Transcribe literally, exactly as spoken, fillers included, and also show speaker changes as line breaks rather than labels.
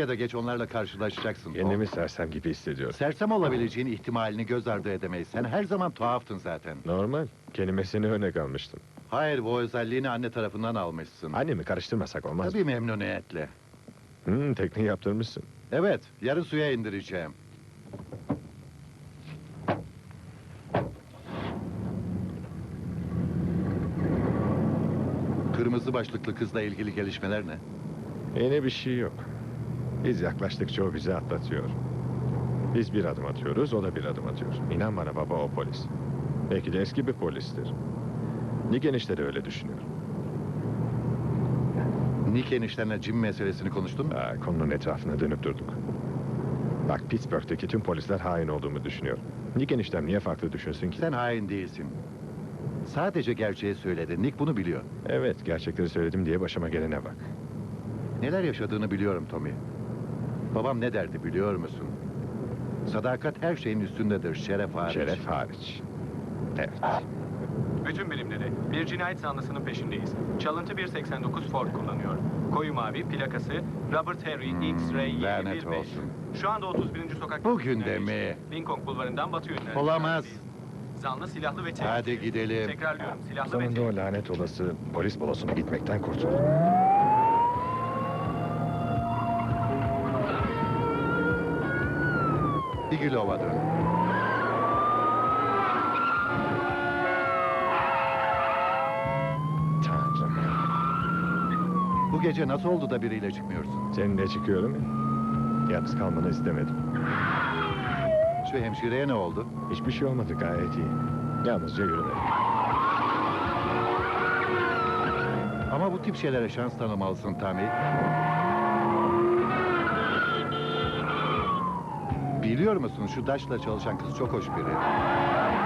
ya da geç onlarla karşılaşacaksın Tom.
Kendimi sersem gibi hissediyorum.
Sersem olabileceğin ihtimalini göz ardı edemeyiz. Sen her zaman tuhaftın zaten.
Normal. Kelimesini örnek almıştım.
Hayır, bu özelliğini anne tarafından almışsın.
Annemi karıştırmasak olmaz mı?
Tabii memnuniyetle.
Hmm, tekneyi yaptırmışsın.
Evet, yarın suya indireceğim. Kırmızı başlıklı kızla ilgili gelişmeler ne?
Yeni bir şey yok. Biz yaklaştıkça o bizi atlatıyor. Biz bir adım atıyoruz, o da bir adım atıyor. İnan bana baba, o polis. Belki de eski bir polistir. Nick enişte de öyle düşünüyor.
Nick eniştenle Jim meselesini konuştun mu?
Aa, konunun etrafına dönüp durduk. Bak, Pittsburgh'teki tüm polisler hain olduğumu düşünüyor. Nick eniştem niye farklı düşünsün ki?
Sen hain değilsin. Sadece gerçeği söyledi. Nick bunu biliyor.
Evet, gerçekleri söyledim diye başıma gelene bak.
Neler yaşadığını biliyorum Tommy. Babam ne derdi biliyor musun? Sadakat her şeyin üstündedir, şeref hariç.
Şeref hariç. Evet.
Bütün birimleri, bir cinayet zanlısının peşindeyiz. Çalıntı bir seksen dokuz Ford kullanıyor. Koyu mavi, plakası Robert Harry
Hmm,
X-Ray
lanet
yedi bir beş.
olsun.
Şu anda otuz birinci sokak...
Bugün de mi?
Lincoln Bulvarı'ndan batı yönüne.
Olamaz.
Zanlı silahlı ve tehlikeli.
Hadi gidelim.
Tekrarlıyorum, silahlı ve
Sonunda
tehlikeli.
o lanet olası polis balosuna gitmekten kurtuldum.
Digilov'a dön.
Tanrım.
Bu gece nasıl oldu da biriyle çıkmıyorsun?
Seninle çıkıyorum ya. Yalnız kalmanı istemedim.
Şu hemşireye ne oldu?
Hiçbir şey olmadı, gayet iyi. Yalnızca yürümedim.
Ama bu tip şeylere şans tanımalısın Tommy. Biliyor musun, şu Daş'la çalışan kız çok hoş biri.